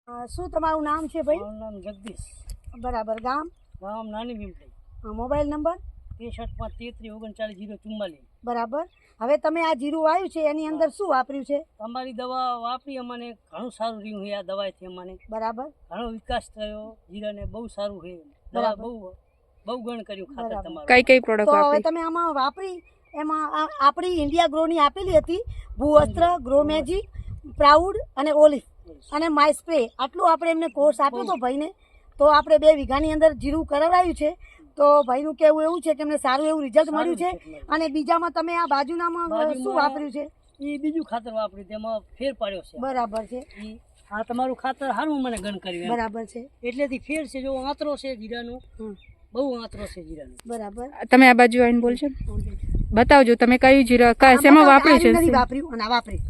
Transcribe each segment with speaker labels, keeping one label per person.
Speaker 1: શું તમારું નામ છે ભાઈ?
Speaker 2: મારું નામ જગદીશ.
Speaker 1: બરાબર. ગામ?
Speaker 2: ગામ નાની ભીમપડી.
Speaker 1: Mobile number?
Speaker 2: 63 533 3944.
Speaker 1: બરાબર. હવે તમે આ જીરું વાવ્યું છે એની અંદર શું વાપર્યું છે?
Speaker 2: તમારી દવા વાપરી અમને ઘણું સારું રહ્યું છે. આ દવાથી અમને
Speaker 1: બરાબર.
Speaker 2: ઘણો વિકાસ થયો. જીરાને બહુ સારું છે. દવા બહુ ગણ કર્યું ખાતર તમારું.
Speaker 3: કઈ પ્રોડક્ટ
Speaker 1: તો હવે
Speaker 3: વાપરી?
Speaker 1: તમે આમાં વાપરી એમાં આપણી ઇન્ડિયા ગ્રોની આપેલી હતી, ભૂવસ્ત્ર, ગ્રો મેજિક, પ્રાઉડ અને ઓલિવ અને માય સ્પ્રે. આટલું આપણે એમને કોર્સ આપ્યો હતો ભાઈને. તો આપણે 2 વીઘાની અંદર જીરું કરાવ્યું છે. તો ભાઈનું કહેવું એવું છે કે એમને સારું એવું રિઝલ્ટ મળ્યું છે. અને બીજામાં તમે આ બાજુનામાં શું વાપર્યું છે?
Speaker 2: એ બીજું ખાતર વાપર્યું, તેમાં ફેર પાડ્યો છે.
Speaker 1: બરાબર છે.
Speaker 2: આ તમારું ખાતર સારું મને ગણ કર્યું.
Speaker 1: બરાબર છે.
Speaker 2: એટલેથી ફેર છે. જો આંતરો છે જીરાનો, બહુ આંતરો છે જીરાનો.
Speaker 1: બરાબર.
Speaker 3: તમે આ બાજુ આવીને બોલશો, બતાવજો તમે કયું જીરા શેમાં વાપર્યું છે?
Speaker 1: નથી વાપર્યું અને આ વાપર્યું.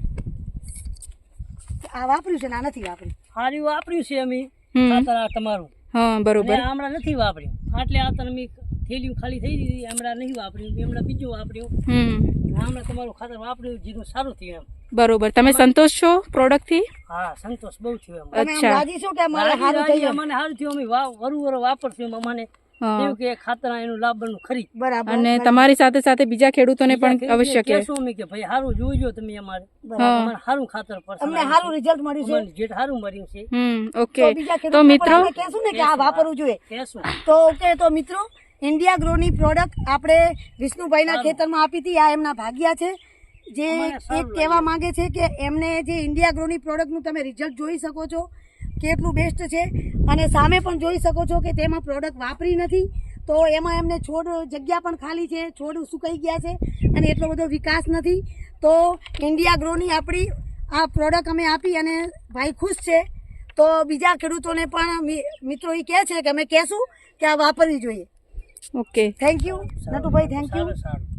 Speaker 1: આ વાપર્યું છે ને આ નથી વાપર્યું.
Speaker 2: સારું વાપર્યું છે અમે ખાતર આ તમારું.
Speaker 3: હા બરોબર.
Speaker 2: હમણાં નથી વાપર્યું. આટલે આ તમે થેલીઓ ખાલી થઈ ગઈ. હમણાં નહીં વાપર્યું. હમણાં બીજું વાપર્યું. હમણાં તમારું ખાતર વાપર્યું, જીરું સારું થયું એમ.
Speaker 3: બરોબર. તમે સંતોષ છો પ્રોડક્ટ થી?
Speaker 2: હા, સંતોષ બહુ થયો એમ.
Speaker 1: તમે આમ રાજી છો કે અમારે સારું થયું?
Speaker 2: મને સારું થયું. અમે વરું વાપરશું. અમને એવું કે ખાતર એનું લાભનું ખરી.
Speaker 1: બરાબર.
Speaker 3: અને તમારી સાથે સાથે બીજા ખેડૂતોને પણ અવશ્ય
Speaker 2: કહેશું અમે કે ભાઈ સારું જોઈજો તમે. અમારે સારું ખાતર પડશે.
Speaker 1: અમને સારું રિઝલ્ટ મળ્યું છે.
Speaker 2: જે સારું મળ્યું છે.
Speaker 3: ઓકે.
Speaker 1: બીજા
Speaker 3: તો મિત્રો
Speaker 1: કહેશું ને કે આ વાપરવું જોઈએ.
Speaker 2: કહેશું.
Speaker 1: તો ઓકે. તો મિત્રો, ઇન્ડિયા ગ્રોની પ્રોડક્ટ આપણે વિષ્ણુભાઈના ખેતરમાં આપી હતી. આ એમના ભાગ્યા છે, જે એક કહેવા માંગે છે કે એમને જે ઇન્ડિયા ગ્રોની પ્રોડક્ટનું તમે રિઝલ્ટ જોઈ શકો છો કેટલું બેસ્ટ છે. અને સામે પણ જોઈ શકો છો કે તેમાં પ્રોડક્ટ વાપરી નથી. તો એમાં એમને છોડ જગ્યા પણ ખાલી છે, છોડ સુકાઈ ગયા છે અને એટલો બધો વિકાસ નથી. તો ઇન્ડિયા ગ્રોની આપણી આ પ્રોડક્ટ અમે આપી અને ભાઈ ખુશ છે. તો બીજા ખેડૂતોને પણ મિત્રો એ કહે છે કે અમે કહેશું કે આ વાપરવી જોઈએ.
Speaker 3: Okay.
Speaker 1: Thank you Natubhai. Thank you.
Speaker 2: સારું.